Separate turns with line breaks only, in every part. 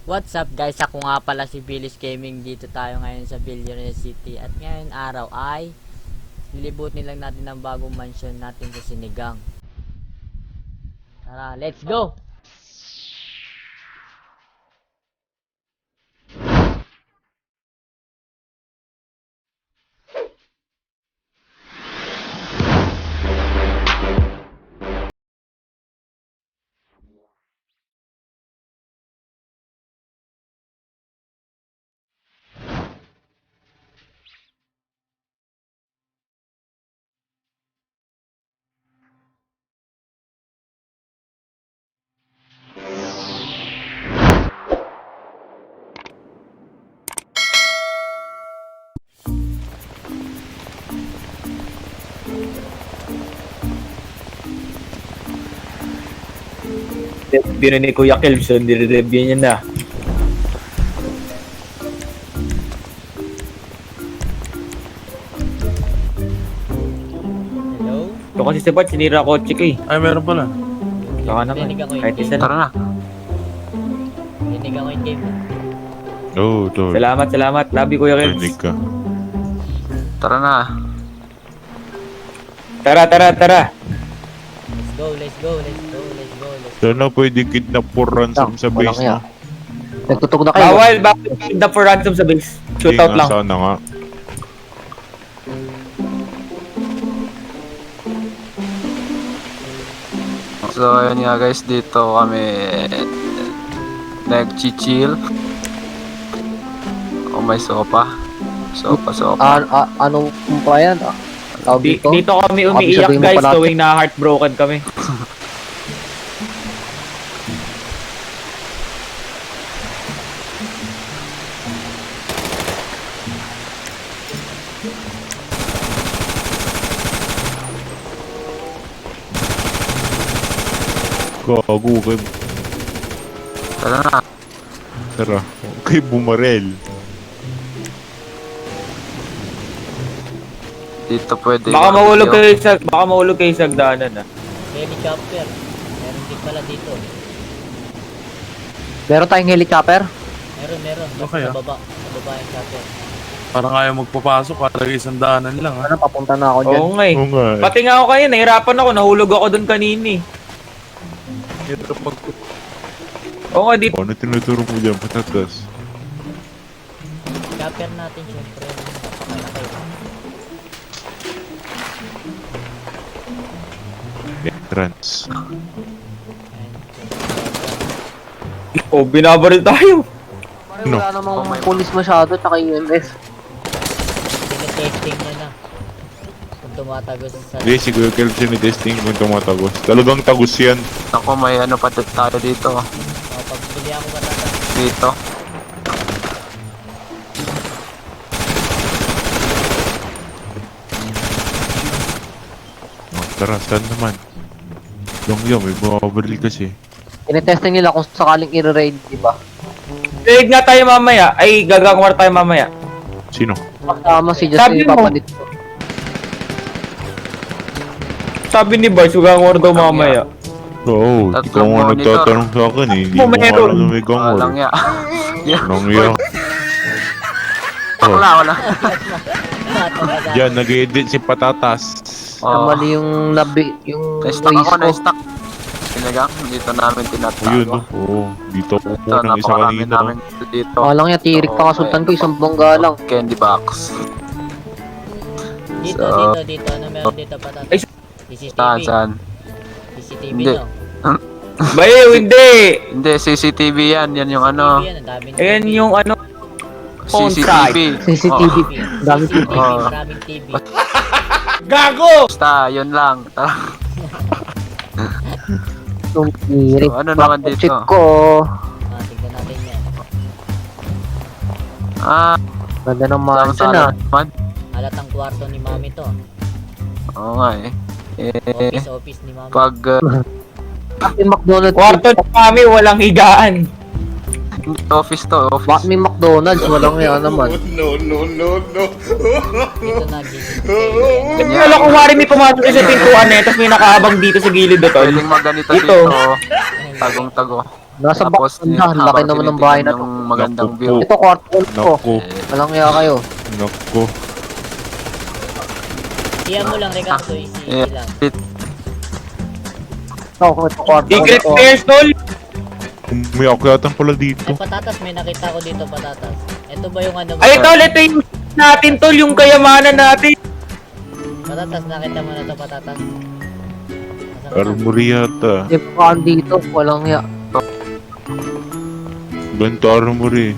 What's up guys, ako nga pala si Billis Gaming. Dito tayo ngayon sa Billionaire City. At ngayon araw ay lilibutin lang natin ang bagong mansion natin sa Sinigang. Tara, let's go!
Review ni Kuya Kelvin, nire-review niya na.
Hello?
Ito kasi si Bat, sinira ko ko eh.
Ay, meron pala.
Saka naman,
Rinig ako yung
kahit isa
game.
Tara
na.
na.
Rinig ako yung game.
Oo, tol.
Salamat. Love you, Kuya Kelvin.
Rinig ka.
Tara na.
Tara.
Let's go.
Sana pwede kidnap for ransom sa base na.
Nagtutog na kayo.
Bawal, bakit kidnap for ransom sa base? Shootout lang.
Sana nga.
So, ayun nga guys, dito kami nag-chill. Oh, may sopa. Sopa.
Ano pa yan? Tawag dito?
Dito kami umiiyak
sabihin mo
guys,
pala-
tuwing na heartbroken kami.
Gago kay...
Tara na.
Tara. Kay bumarel.
Dito pwede.
Baka mahulog kayo sa hagdanan ah.
Helicopter. Meron din pala dito.
Meron tayong helicopter?
Meron.
Okay,
Sa baba yung chopper.
Parang ayaw magpapasok. Parang isang daanan lang ha.
Ano, papunta na ako dyan.
Oo nga eh.
Oo nga.
Pati nga ako kayo, nahirapan ako, nahulog ako doon kanina eh.
Dito pag...
Oo nga, dito.
Ano tinuturo mo dyan, patatas?
Chopper natin syempre. Napakalaki.
Entrance.
Oh, binabaril tayo.
No.
Wala namang pulis masyado, tsaka UMS.
Tinetesting niya na. Kung tumatagos sa...
Hindi, si Kuya Kelvin sinitesting kung tumatagos. Talagang tagos yan.
Ako, may ano pa tayo dito.
Pagbili ako matata.
Dito.
Oh, tara, saan naman? Yung, may bumabaril kasi.
Tinetesting nila kung sakaling i-raid, di ba?
Tig nga tayo mamaya. Ay, gagawin tayo mamaya.
Sino?
Kasama si
Sabi
Justin
mo.
Papalit.
Sabi ni Bars, gagawin daw mamaya.
Oo,
Tatlong
ikaw nga
monitor.
nagtatanong sa akin eh. Hindi mo
Meron.
alam na may gang
Walang
war.
ya.
Nangya.
Wala.
Yan, nag-edit si Patatas.
Oh.
Mali yung yung
Na-stuck
waste
ako,
ko.
na-stuck. Sinagang, dito namin
O
tinatago.
yun, no? Oo. Dito ako
Ito,
po ng isa
napakarami
kanina.
namin dito.
Walang yan, tirik pa kasultan ko, isang bongga lang.
Candy box.
Dito. Ano meron dito patata?
Ay,
CCTV.
Saan?
CCTV
Hindi.
no?
Bayo, hindi.
Hindi, CCTV yan. Yan yung ano.
CCTV yan, ang daming
Ayan
TV.
yung ano. phone
CCTV.
CCTV.
TV.
Dami
CCTV,
Oh.
maraming TV.
Gago!
Basta, yun lang.
Yung tirik.
So, ano naman dito?
Check ko.
Tignan natin yan.
Ganda ng
Saan
mansion ah.
naman?
Halatang kwarto ni mami to.
Oo nga eh.
Office ni mami.
Pag
Bakit McDonald's?
Kwarto ng kami, walang higaan.
office to,
Bakit
office.
may McDonald's? Walang yan naman.
Dito na CCTV.
Ganyan.
Wala kung wari may pumasok sa pintuan eh, tapos may nakahabang dito sa gilid ito.
Pwedeng maganito
Ito.
dito. Tagong-tago.
Nasa
Tapos,
bakanda, laki naman ng bahay na to.
yung magandang
Naku
view.
po.
Ito, kwarto ko.
Naku,
Walang iya kayo.
naku.
Iyan mo lang, Ricardo. Easy lang.
Ito, kwarto ko.
Secret
Ito.
stairs, tol!
May akyatan pala dito.
Ay, patatas. May nakita ko dito, patatas. Ito ba yung ano mo?
Ay, tol, ito yung natin, tol, yung kayamanan natin.
Patatas, nakita mo na to, patatas. Nasaan ka na?
Armory yata.
May pakaan dito. Walang iya.
Ganito armory.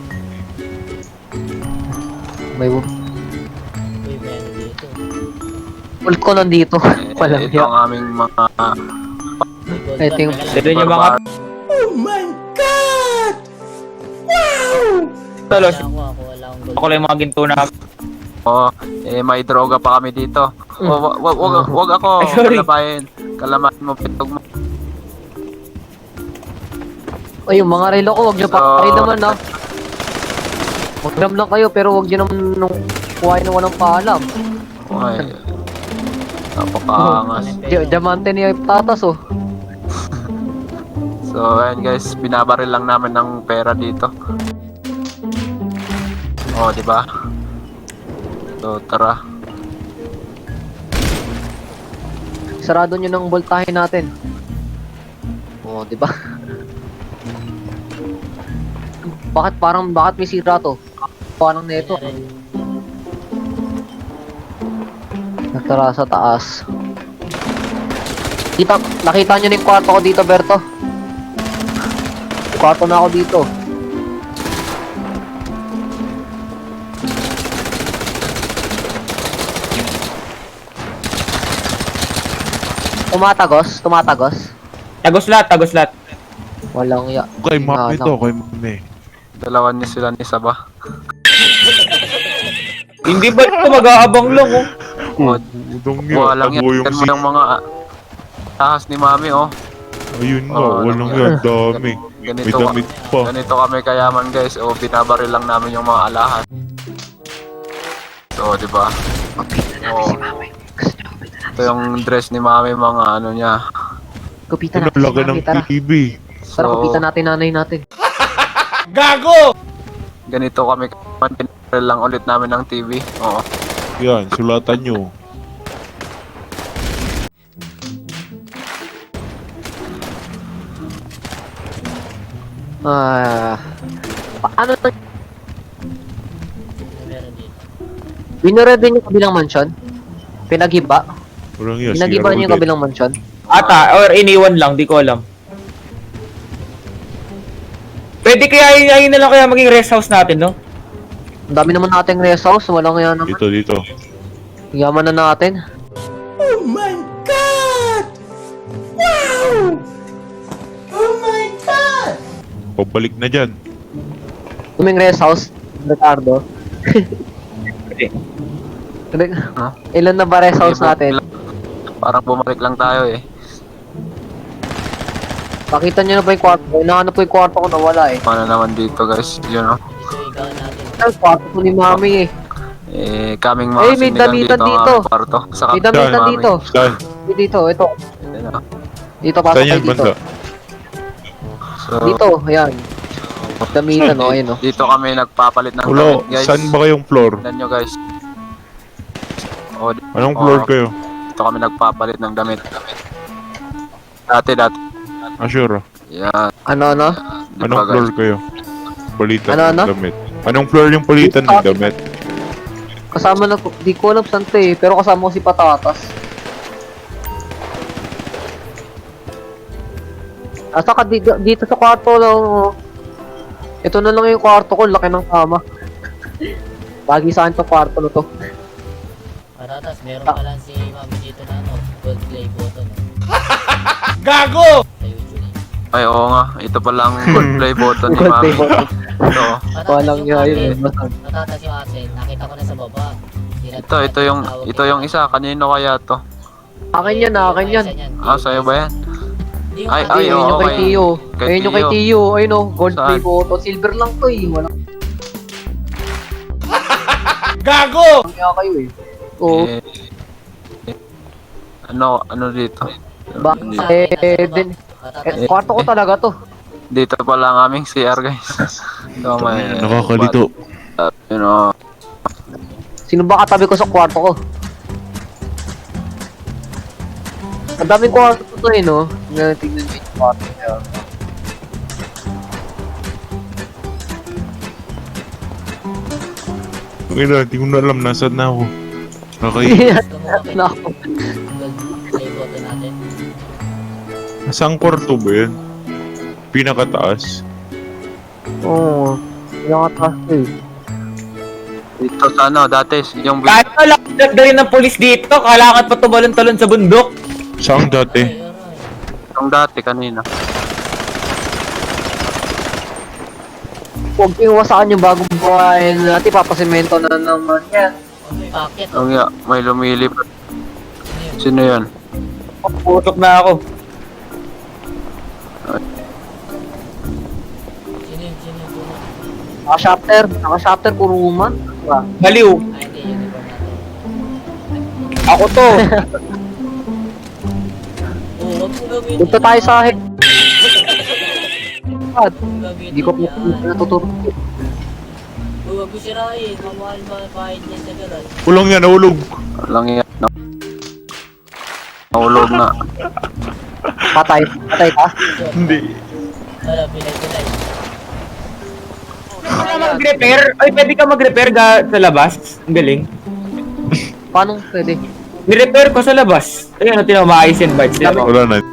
May
Uy, may ano dito.
ult ko nandito. Walang
Ito
iya.
ang aming mga
May gold
Ito
bar,
yung-
teka lang.
Ito yung mga... Tol,
Wala akong gold.
ako lang yung mga ginto na...
Oh, may droga pa kami dito. Wag ako
Ay, sorry.
Kalamain mo pitog mo.
Ay, yung mga relo ko, huwag nyo pa kayo naman, ha. Mag-ram lang kayo, pero huwag nyo naman nung kuhain na walang paalam.
Okay. Napakaangas.
Diamante niya yung tatas, oh.
So, ayan guys, binabaril lang namin ng pera dito. Oh, di ba? So, tara.
Sarado nyo ng voltahe natin. Oh, di ba? Bakit may sira to? Parang neto. Natara sa taas. Nakita nyo na yung kwarto ko dito, Berto. Kwarto na ako dito. Tumatagos.
Tagos lahat.
Walang ya.
Kay mami
Ano?
to, kay mami.
Dalawan niya sila ni Saba.
Hindi ba ito mag-aabang lang, oh?
Oh,
Udong yun,
walang
tago
yan.
yung
Yan mo yung mga tahas ni Mami, oh.
Ayun nga,
Oh,
walang
ano
yan, dami. May
Ganito,
damit pa.
ganito kami kayaman guys. O, binabaril lang namin yung mga alahan. So, di ba? Oh, ito yung dress ni Mami, mga ano niya.
Kupitan
Ano
natin si
laki ng
Mami, tara.
TV.
Tara,
So,
kupitan natin nanay natin.
ganito kami kayaman. Binabaril lang ulit namin ng TV. Oo.
Yan, sulatan nyo.
Ano na?
Meron dito.
Binored din yung kabilang mansion? Pinaghiba?
Walang yan,
Pinaghiba niyo yung kabilang mansion?
Ata, or iniwan lang, di ko alam. Pwede kaya yun na lang kaya maging rest house natin, no?
Ang dami naman nating rest house, walang yan naman.
Dito.
Yaman na natin.
Pabalik na dyan.
Tuming rest house, Ricardo.
Pwede.
Huh?
Ilan na ba rest house natin?
Parang bumalik lang tayo eh.
Pakita nyo na ba yung kwarto? Inahanap ko yung kwarto ko, nawala eh.
Paano naman dito guys? Yun oh.
Dito ikaw natin.
Ay, kwarto ko ni Mami eh.
Kaming mga
Eh, may
sinigang
damitan
ang
dito.
aming kwarto. Sa
May damitan
Mami.
dito.
Saan?
Dito, ito.
Ayun, oh.
Dito, pasok
Saan
kayo
yan,
dito.
banda?
So,
Dito, ayan. Damitan, oh, ayun oh.
dito kami nagpapalit ng
Ulo,
damit guys.
saan ba kayong floor?
Tignan nyo guys. Oh,
Anong floor kayo?
dito kami nagpapalit ng damit. Dati.
Ah, sure.
Yan.
Ano?
Di ba,
Anong
guys?
floor kayo? Palitan
Ano?
ng damit. Anong floor yung palitan ng damit?
Kasama na, di ko alam saan to eh, pero kasama ko si Patatas. Saka dito sa kwarto lang, oh. Ito na lang yung kwarto ko, laki ng kama. Bagi sa akin to kwarto na to.
Patatas, meron pa lang si Mami dito na ano, gold play button.
Gago!
Sa YouTube eh.
Ay, oo nga. Ito palang good play button ni
Gold
Mami.
play button.
Ito.
Patatas
Walang
yung
yun.
atin. Patatas yung atin. Nakita ko na sa baba.
Ito yung isa. Kanino kaya to?
Akin yan, akin yan.
Ah, sa'yo ba yan? Ay,
Ay, ayun yung kay
okay.
Tio.
Kay
Ayun yung kay
Tio.
Tio. Ayun oh, gold
Saan?
play button. Silver lang to eh. Walang
Gago!
kaya kayo eh. Oo.
Ano dito?
Ba,
Dito.
din. Kwarto ko talaga to.
Dito pala ang aming CR, guys. So, may...
Nakakalito.
You know,
Sino ba katabi ko sa kwarto ko? Ang daming kwarto to eh, no? Tingnan nyo yung kwarto niya.
Okay na, di ko na alam nasaan na ako. Okay.
Gusto mo kapit
Na ako.
ay boto natin.
Nasaan kwarto ba yan? Pinakataas.
Oo. Pinakataas ko eh.
dito sa ano, dati, yung...
Kahit wala na rin ng polis dito, kailangan pa tumalon-talon sa bundok.
Saan dati?
Ay, aray.
Yung dati, kanina.
Huwag iwasakan yung bagong buhay natin, papasemento na naman yan.
Oh, may packet.
Yung may lumilipad. Sino yun?
Putok na ako.
Sino yun? Sino yun?
Naka-shopter, puro woman. Diba?
Baliw.
Ay, hindi. Uniform natin.
Ako to.
Oo, huwag mo gawin
Punta tayo sa head.
Hindi
Hindi ko po natuturo.
Huwag mo sirain. Mamahal ba kahit niya sa garage?
Ulong yan, nahulog.
Lang yan. Nahulog na.
Patay ka?
Hindi.
Wala, bilay.
Pwede ka mag-repair? Ay, pwede ka mag-repair sa labas? Ang galing.
Paano pwede?
Ni-repair ko sa labas. Ayun, tinan mo, maayos yung bites.
Wala na.